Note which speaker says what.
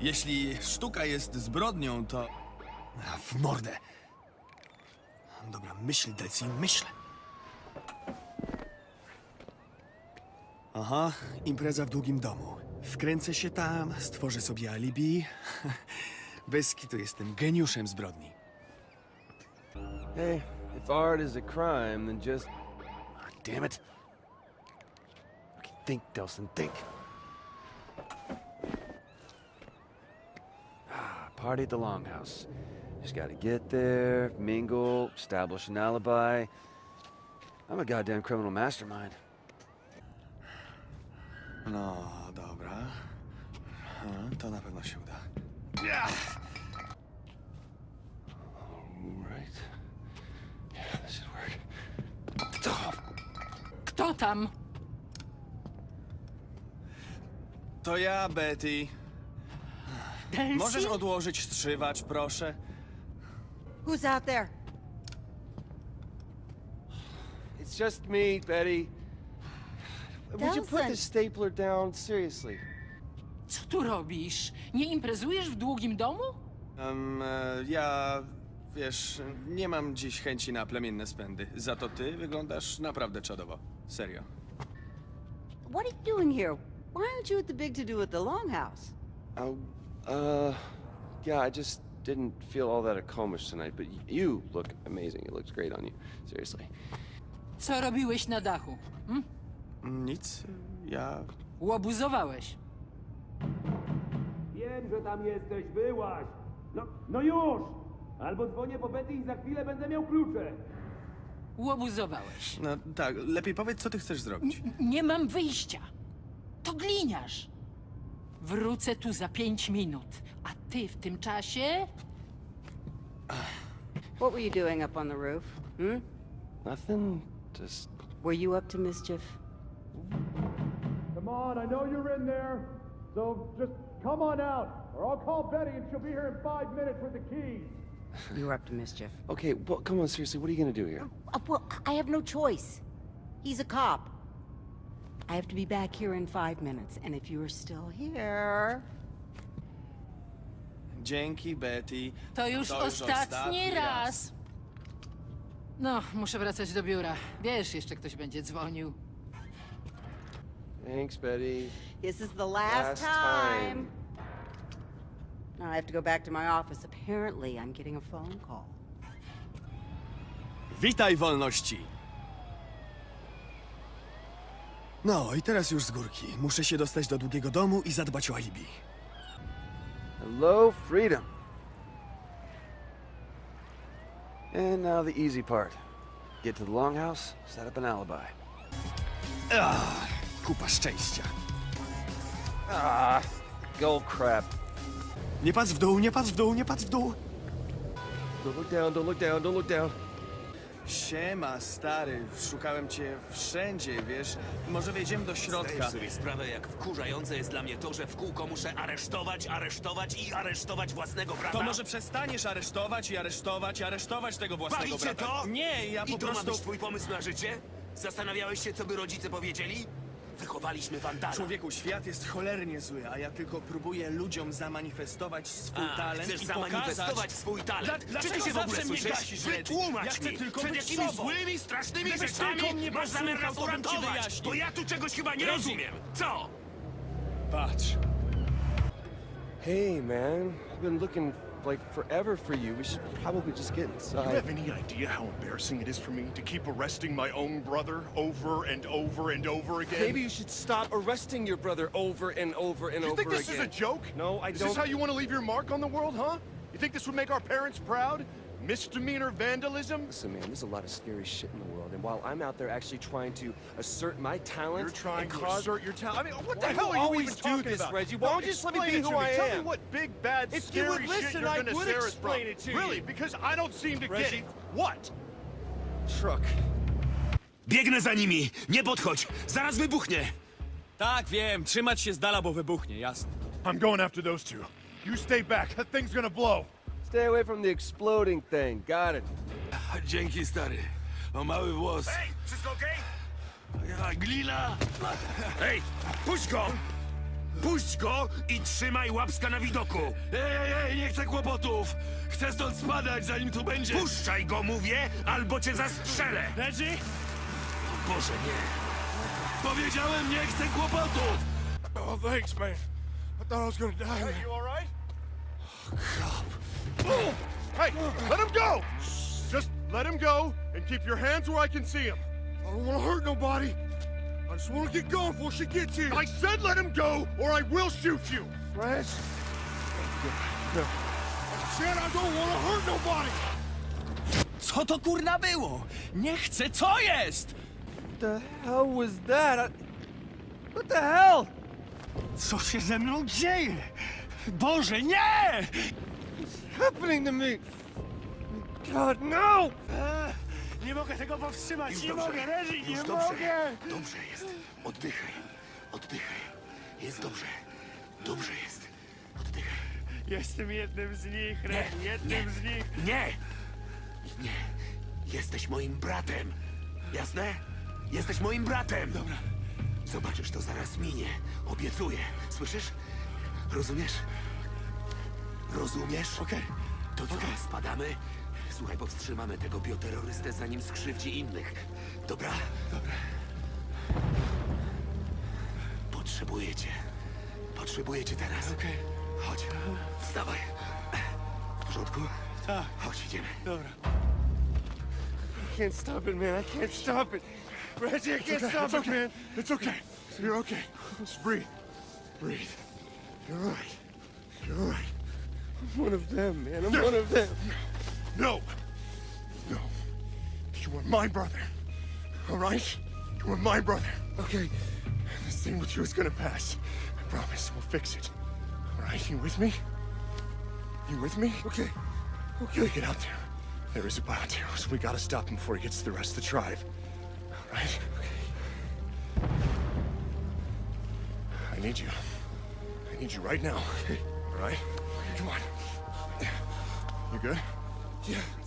Speaker 1: Jeśli sztuka jest zbrodnią, to... W mordę. Dobra, myśl, Deci, myśl. Aha, impreza w długim domu. Wkręcę się tam, stworzę sobie alibi. Bez kitu jestem geniuszem zbrodni.
Speaker 2: Hey, if art is a crime, then just...
Speaker 1: Damn it.
Speaker 2: Okay, think, Delson, think. Party at the Longhouse. Just gotta get there, mingle, establish an alibi. I'm a goddamn criminal mastermind.
Speaker 1: No, dobra. To na pewno się uda.
Speaker 2: Right. Yeah, this should work.
Speaker 3: Kto tam?
Speaker 1: To ja, Betty.
Speaker 3: Delcy?
Speaker 1: Możesz odłożyć strzywacz, proszę?
Speaker 4: Who's out there?
Speaker 2: It's just me, Betty. Would you put
Speaker 4: Delson.
Speaker 2: the stapler down? Seriously.
Speaker 3: Co tu robisz? Nie imprezujesz w długim domu?
Speaker 1: Ja... Wiesz, nie mam dziś chęci na plemienne spędy. Za to ty wyglądasz naprawdę czadowo. Serio.
Speaker 4: What are you doing here? Why aren't you at the big to-do at the Longhouse?
Speaker 2: Oh, yeah, I just didn't feel all that accomplished tonight, but you look amazing. It looks great on you. Seriously.
Speaker 3: Co robiłeś na dachu?
Speaker 1: Nic, ja...
Speaker 3: Łobuzowałeś.
Speaker 5: Wiem, że tam jesteś, byłaś! No już! Albo dzwonię po Betty i za chwilę będę miał klucze!
Speaker 3: Łobuzowałeś.
Speaker 1: No tak, lepiej powiedz, co ty chcesz zrobić.
Speaker 3: Nie mam wyjścia. To gliniarz. Wrócę tu za 5 minut, a ty w tym czasie...
Speaker 4: What were you doing up on the roof?
Speaker 2: Nothing. Just
Speaker 4: Were you up to mischief?
Speaker 5: Come on, I know you're in there! So just come on out, or I'll call Betty and she'll be here in 5 minutes with the keys!
Speaker 4: You were up to mischief.
Speaker 2: okay. Well, come on. Seriously, what are you gonna do here?
Speaker 4: Well, I have no choice. He's a cop. I have to be back here in 5 minutes, and if you're still here...
Speaker 1: Dzięki, Betty.
Speaker 3: To już ostatni raz. No, muszę wracać do biura. Wiesz, jeszcze ktoś będzie dzwonił.
Speaker 2: Thanks, Betty.
Speaker 4: This is the last time. Now I have to go back to my office. Apparently, I'm getting a phone call.
Speaker 1: Witaj, wolności! No, i teraz już z górki. Muszę się dostać do długiego domu i zadbać o alibi.
Speaker 2: Hello, freedom. And now the easy part. Get to the Longhouse, set up an alibi.
Speaker 1: Kupa szczęścia.
Speaker 2: Gold crap.
Speaker 1: Nie patrz w dół, nie patrz w dół, nie patrz w dół!
Speaker 2: Don't look down, don't look down, don't look down.
Speaker 1: Siema, stary. Szukałem cię wszędzie, wiesz? Może wejdziemy do środka.
Speaker 6: Zdajesz sobie sprawę, jak wkurzające jest dla mnie to, że w kółko muszę aresztować własnego brata?
Speaker 1: To może przestaniesz aresztować tego własnego
Speaker 6: Bawi cię
Speaker 1: brata?
Speaker 6: to?
Speaker 1: Nie, ja
Speaker 6: I
Speaker 1: po
Speaker 6: to ma
Speaker 1: prostu...
Speaker 6: być twój pomysł na życie? Zastanawiałeś się, co by rodzice powiedzieli? Wychowaliśmy wandala.
Speaker 1: Człowieku, świat jest cholernie zły, a ja tylko próbuję ludziom zamanifestować swój
Speaker 6: A,
Speaker 1: talent
Speaker 6: chcesz
Speaker 1: i
Speaker 6: zamanifestować
Speaker 1: pokazać...
Speaker 6: swój talent.
Speaker 1: Dlaczego
Speaker 6: Czy ty się w ogóle
Speaker 1: zawsze mnie
Speaker 6: słyszysz?
Speaker 1: gasisz, Reddy?
Speaker 6: Wytłumacz
Speaker 1: Ja chcę
Speaker 6: mi,
Speaker 1: tylko
Speaker 6: przed
Speaker 1: być
Speaker 6: jakimi
Speaker 1: sobą.
Speaker 6: złymi, strasznymi
Speaker 1: Gdybyś
Speaker 6: rzeczami
Speaker 1: tylko mnie
Speaker 6: masz zamiar nas
Speaker 1: posłuchał, to bym ci
Speaker 6: uratować?
Speaker 1: wyjaśnił.
Speaker 6: Bo ja tu czegoś chyba nie
Speaker 1: Reddy.
Speaker 6: rozumiem. Co?
Speaker 1: Patrz.
Speaker 2: Hey, man. I've been looking like forever for you. We should probably just get
Speaker 7: Do you
Speaker 2: inside.
Speaker 7: have any idea how embarrassing it is for me to keep arresting my own brother over and over and over again?
Speaker 2: Maybe you should stop arresting your brother over and over and
Speaker 7: You
Speaker 2: over
Speaker 7: think this
Speaker 2: again.
Speaker 7: is a joke?
Speaker 2: No, I
Speaker 7: Is
Speaker 2: don't.
Speaker 7: this how you want to leave your mark on the world, huh? You think this would make our parents proud? Misdemeanor vandalism?
Speaker 2: Listen, man, there's a lot of scary shit in the world, and while I'm out there actually trying to assert my talent,
Speaker 7: You're trying
Speaker 2: and
Speaker 7: to
Speaker 2: cause...
Speaker 7: assert your talent. I mean, what the
Speaker 2: Why
Speaker 7: hell
Speaker 2: do
Speaker 7: are
Speaker 2: you
Speaker 7: you
Speaker 2: always
Speaker 7: even
Speaker 2: do
Speaker 7: talking
Speaker 2: this,
Speaker 7: about?
Speaker 2: Reggie? Why don't you just let me
Speaker 7: Explain
Speaker 2: be
Speaker 7: it
Speaker 2: who
Speaker 7: to me.
Speaker 2: I
Speaker 7: Tell
Speaker 2: am?
Speaker 7: me what big, bad,
Speaker 2: If you
Speaker 7: scary
Speaker 2: would
Speaker 7: shit
Speaker 2: listen,
Speaker 7: you're
Speaker 2: I
Speaker 7: gonna
Speaker 2: would
Speaker 7: stare us
Speaker 2: explain
Speaker 7: from.
Speaker 2: it to you.
Speaker 7: Really? Because I don't seem to get
Speaker 2: Reggie.
Speaker 7: it. What?
Speaker 2: Truck.
Speaker 6: Biegnę za nimi! Nie podchodź! Zaraz wybuchnie!
Speaker 1: Tak, wiem. Trzymać się z dala, bo wybuchnie, jasne.
Speaker 7: I'm going after those two. You stay back. That thing's gonna blow.
Speaker 2: Stay away from the exploding thing. Got it.
Speaker 6: Dzięki, stary. O mały włos.
Speaker 5: Hej, wszystko okej?
Speaker 6: Ja, glina! Ej, puść go! Puść go i trzymaj łapska na widoku!
Speaker 1: Ej, nie chcę kłopotów! Chcę stąd spadać, zanim tu będzie...
Speaker 6: Puszczaj go, mówię, albo cię zastrzelę!
Speaker 1: Reggie?
Speaker 6: O Boże, nie!
Speaker 1: Powiedziałem, nie chcę kłopotów!
Speaker 5: Oh, thanks, man. I thought I was gonna die. Hey, you all right? Hey, let him go! Just let him go and keep your hands where I can see him. I don't want to hurt nobody. I just want to get going before she gets here. I said let him go, or I will shoot you. French? No. I said I don't want to hurt nobody.
Speaker 1: Co to kurna było? Nie chcę, co jest?
Speaker 2: The hell was that? What the hell?
Speaker 1: Co się ze mną dzieje? Boże, nie!
Speaker 2: Happening to me? God, no!
Speaker 1: Nie mogę tego powstrzymać,
Speaker 6: Już
Speaker 1: nie
Speaker 6: dobrze,
Speaker 1: mogę, Reggie,
Speaker 6: już
Speaker 1: nie
Speaker 6: dobrze.
Speaker 1: mogę!
Speaker 6: Dobrze jest. Oddychaj. Oddychaj. Jest dobrze. Dobrze jest. Oddychaj.
Speaker 1: Jestem jednym z nich, Reggie, jednym z nich.
Speaker 6: Nie! Nie! Jesteś moim bratem! Jasne? Jesteś moim bratem! Dobra. Zobaczysz, to zaraz minie. Obiecuję. Słyszysz? Rozumiesz? Rozumiesz?
Speaker 1: Okej.
Speaker 6: To co, spadamy? Słuchaj, powstrzymamy tego bioterrorystę, zanim skrzywdzi innych. Dobra? Dobra. Potrzebuję cię. Potrzebuję cię teraz.
Speaker 1: Okej.
Speaker 6: Chodź. Wstawaj. W porządku?
Speaker 1: Tak.
Speaker 6: Chodź, idziemy.
Speaker 1: Dobra.
Speaker 5: I can't stop it, man. I can't stop it. Reggie, I can't stop it, man. It's okay. You're okay. Just breathe. Breathe. You're all right. You're all right. I'm one of them, man. I'm one of them. No. No. You are my brother. All right? You are my brother. Okay. This thing with you is gonna pass. I promise. We'll fix it. All right? You with me? You with me? Okay. Okay. Get out there. There is a bioterror, so we gotta stop him before he gets to the rest of the tribe. All right? I need you. I need you right now. Okay. All right? Come on. You good? Yeah.